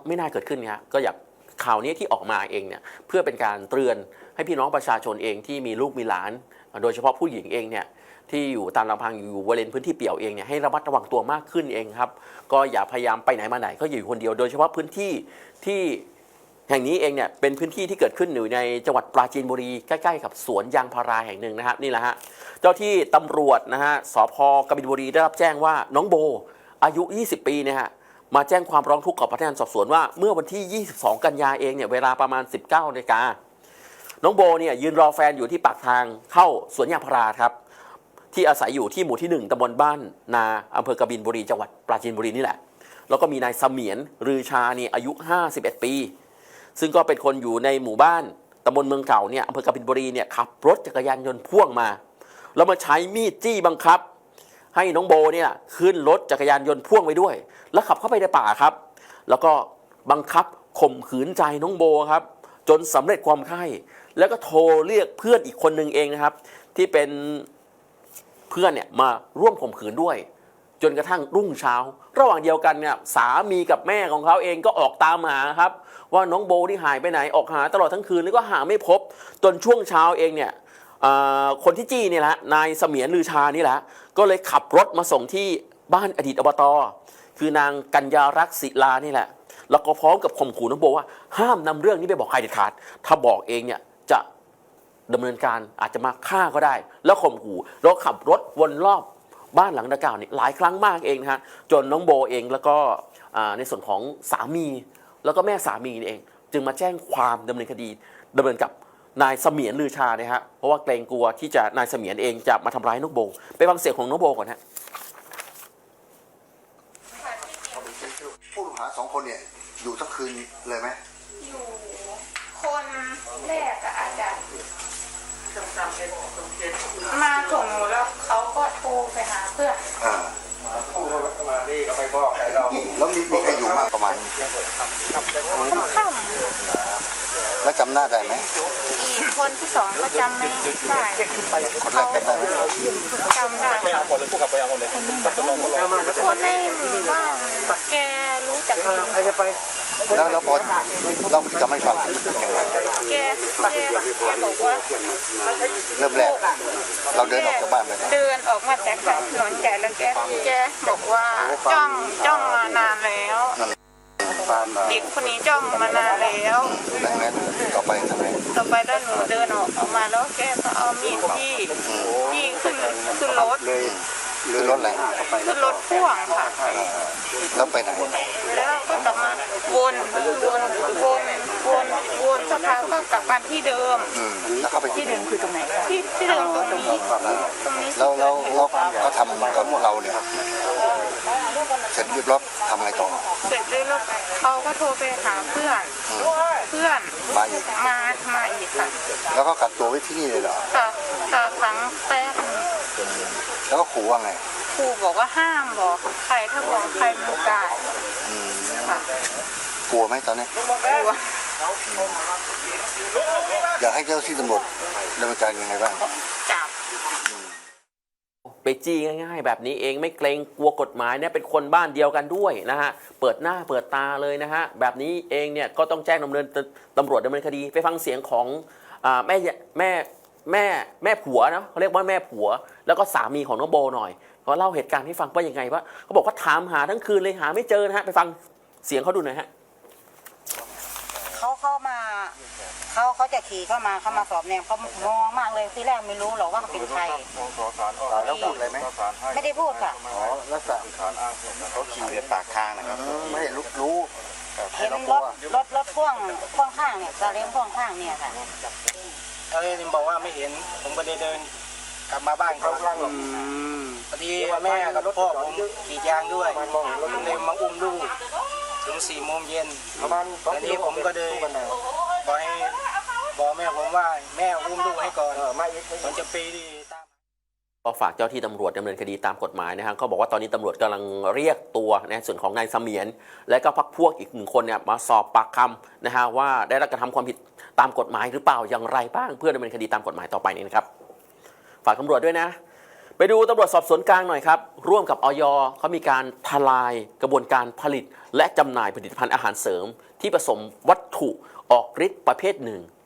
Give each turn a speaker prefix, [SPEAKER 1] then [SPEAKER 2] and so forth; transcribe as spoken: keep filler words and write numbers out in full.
[SPEAKER 1] ไม่น่าเกิดขึ้นนะก็อยากข่าวนี้ที่ออกมาเองเนี่ยเพื่อเป็นการเตือนให้พี่น้องประชาชนเองที่มีลูกมีหลานโดยเฉพาะผู้หญิงเองเนี่ยที่อยู่ตามลำพังอยู่บริเวณพื้นที่เปี่ยวเองเนี่ยให้ระมัดระวังตัวมากขึ้นเองครับก็อย่าพยายามไปไหนมาไหนก็อยู่คนเดียวโดยเฉพาะพื้นที่ที่แห่งนี้เองเนี่ยเป็นพื้นที่ที่เกิดขึ้นอยู่ในจังหวัดปราจีนบุรีใกล้ๆกับสวนยางพาราแห่งหนึ่งนะครับนี่แหละฮะเจ้าที่ตำรวจนะฮะสพกบินบุรีได้รับแจ้งว่าน้องโบอายุยี่สิบปีเนี่ยฮะมาแจ้งความร้องทุกข์กับพนักงานสอบสวนว่าเมื่อวันที่ยี่สิบสองกันยาเองเนี่ยเวลาประมาณสิบเก้านาฬิกาน้องโบเนี่ยยืนรอแฟนอยู่ที่ปากทางเข้าสวนยางพาราครับที่อาศัยอยู่ที่หมู่ที่หนึ่งตำบลบ้านนาอำเภอกบินบุรีจังหวัดปราจีนบุรีนี่แหละแล้วก็มีนายเสมียนรือชานี่อายุห้าสิบเอ็ดปีซึ่งก็เป็นคนอยู่ในหมู่บ้านตำบลเมืองเก่าเนี่ยอำเภอกบินบุรีเนี่ยขับรถจักรยานยนต์พ่วงมาแล้วมาใช้มีดจี้บังคับให้น้องโบเนี่ยขึ้นรถจักรยานยนต์พ่วงไปด้วยแล้วขับเข้าไปในป่าครับแล้วก็บังคับข่มขืนใจน้องโบครับจนสำเร็จความใคร่แล้วก็โทรเรียกเพื่อนอีกคนหนึ่งเองนะครับที่เป็นเพื่อนเนี่ยมาร่วมข่มขืนด้วยจนกระทั่งรุ่งเช้าระหว่างเดียวกันเนี่ยสามีกับแม่ของเขาเองก็ออกตามหาครับว่าน้องโบที่หายไปไหนออกหาตลอดทั้งคืนแล้วก็หาไม่พบจนช่วงเช้าเองเนี่ยคนที่จี้นี่แหละนายเสมียนลือชานี่แหละก็เลยขับรถมาส่งที่บ้านอดีตอบต.คือนางกัญญารักษ์ศิลานี่แหละแล้วก็พร้อมกับข่มขู่น้องโบว่าห้ามนำเรื่องนี้ไปบอกใครเด็ดขาดถ้าบอกเองเนี่ยจะดำเนินการอาจจะมาฆ่าก็ได้แล้วข่มขู่แล้วขับรถวนรอบบ้านหลังดังกล่าวนี่หลายครั้งมากเองนะฮะจนน้องโบเองแล้วก็ในส่วนของสามีแล้วก็แม่สามีนี่เองจึงมาแจ้งความดำเนินคดีดำเนินกับนายเสมียนลือชาเนี่ยฮะเพราะว่าเกรงกลัวที่จะนายเสมียนเองจะมาทำร้ายน้องโบไปฟังเสียงของน้องโบก่อนฮะ
[SPEAKER 2] ผู้ต้องหาสองคนเนี่ยอยู่ทั้งคืนเลยไหม
[SPEAKER 3] อยู่คนแรกอะอาจจะมาส่งแล้วเขาก็โทรไปหาเพื่อน
[SPEAKER 2] อ่ามานี่ก็ไปบอกใครเราแล้วมีมีใครอยู่มากประมาณ
[SPEAKER 3] ค่ำ
[SPEAKER 2] แล้วจำหน้าได้ไหม
[SPEAKER 3] อีกคนที่สองก็จำไม่ได้
[SPEAKER 2] คนแรกจำได้
[SPEAKER 3] จำได้คนในหมู่บ้านแกรู้จัก
[SPEAKER 2] แล้วแล้วพอเราจำไม่ฟัง
[SPEAKER 3] แกแกแกบอกว่า
[SPEAKER 2] เริ่มแรกเราเดินออกจากบ้านไป
[SPEAKER 3] เดินออกมาจากถนนใหญ่แล้วแกแกบอกว่าจ้องจ้องมานานแล้วเด็กคนนี้จ้องมานานแล้ว
[SPEAKER 2] ดังนั้นต่อไปทำไม
[SPEAKER 3] ต่อไปแล้วหนูเดินออกออกมาแล้วแกก็เอามีดที่ที่ขึ้นขึ้นรถ
[SPEAKER 2] ขึ้นรถอะไร
[SPEAKER 3] ขึ้นรถพ่วงค่ะ
[SPEAKER 2] แล้วไปไหน
[SPEAKER 3] แล้วก็กลับมาวนวนวนวนวนสักพักก็กลับมาที่เดิม
[SPEAKER 2] แล้วเข้าไป
[SPEAKER 3] ที่เดิมคือตรงไหนที่ที่เดิมตรงนี้ตรงนี้
[SPEAKER 2] แล้วแล้วแล้วเขาทำกับเราเนี่ยเสร็จเรียบร้อยทำอะไรต่อ
[SPEAKER 3] เสร็จเรียบร้อยเขาก็โทรไปหาเพื่อนเพื่อน
[SPEAKER 2] มาอีก
[SPEAKER 3] มามาอีกค่ะ
[SPEAKER 2] แล้วก็กักตัวไว้ที่นี่เลยเหรอ
[SPEAKER 3] ค่ะค่ะครั้งแป๊บ
[SPEAKER 2] แล้วก็ขู่ว่าไง
[SPEAKER 3] ครูบอกว่าห้ามบอกใครถ้าบอกใครมันตายค่ะ
[SPEAKER 2] กลัวไหมตอนนี้
[SPEAKER 3] กลัว
[SPEAKER 2] อยากให้เจ้าที่ตำรวจดำเนินการยังไงบ้าง
[SPEAKER 3] จับ
[SPEAKER 1] ไปจี้ง่ายๆแบบนี้เองไม่เกรงกลัวกฎหมายเนี่ยเป็นคนบ้านเดียวกันด้วยนะฮะเปิดหน้าเปิดตาเลยนะฮะแบบนี้เองเนี่ยก็ต้องแจ้งดำเนินตำรวจดำเนินคดีไปฟังเสียงของแม่แม่แม่แม่ผัวนะเขาเรียกว่าแม่ผัวแล้วก็สามีของน้องโบหน่อยเขาเล่าเหตุการณ์ให้ฟังว่ายังไงว่าเขาบอกว่าถามหาทั้งคืนเลยหาไม่เจอนะฮะไปฟังเสียงเขาดูหน่อยฮะ
[SPEAKER 4] เขาเข้ามาเขาเขาจะขี่เข้ามาเขามาสอบแนมเขามองมากเลยที่แรกไม่รู้หรอกว่าเขาเป็นใคร
[SPEAKER 2] แล้วพูดอะไรไหม
[SPEAKER 4] ไม่ได้พูดค่ะ
[SPEAKER 2] อ๋อแล้วสั่งเขาขี่ในปากทางนะครับไม่เห็นรู้รู้
[SPEAKER 4] เห็นรถรถรถพ่วงพ่วงข้างเนี่ยซาเล้งพ่วงข้างเนี่ยค่ะ
[SPEAKER 5] เขาเลยบอกว่าไม่เห็นผมก็เดินกลับมาบ้านเขาพอดีแม่กับพ่อผมขี่ยางด้วยผมเลยมาอุ้มลูกถึงสี่โมงเย็นทีนี้ผมก็เลยบอกให้บอกแม่ผมว่าแม่อุ้มลูกให้ก่อนผมจะไปตาม
[SPEAKER 1] ก็ฝากเจ้าที่ตำรวจดำเนินคดีตามกฎหมายนะฮะเขาบอกว่าตอนนี้ตำรวจกำลังเรียกตัวในส่วนของนายเสมียนและก็พรรคพวกอีกหนึ่งคนเนี่ยมาสอบปากคำนะฮะว่าได้รับกระทำความผิดตามกฎหมายหรือเปล่าอย่างไรบ้างเพื่อดำเนินคดีตามกฎหมายต่อไปนี้นะครับฝากตำรวจด้วยนะไปดูตำรวจสอบสวนกลางหน่อยครับ ร่วมกับอย.เขามีการทลายกระบวนการผลิต และจำหน่ายผลิตภัณฑ์อาหารเสริม ที่ผสมวัตถุออกฤทธิ์ประเภทหนึ่ง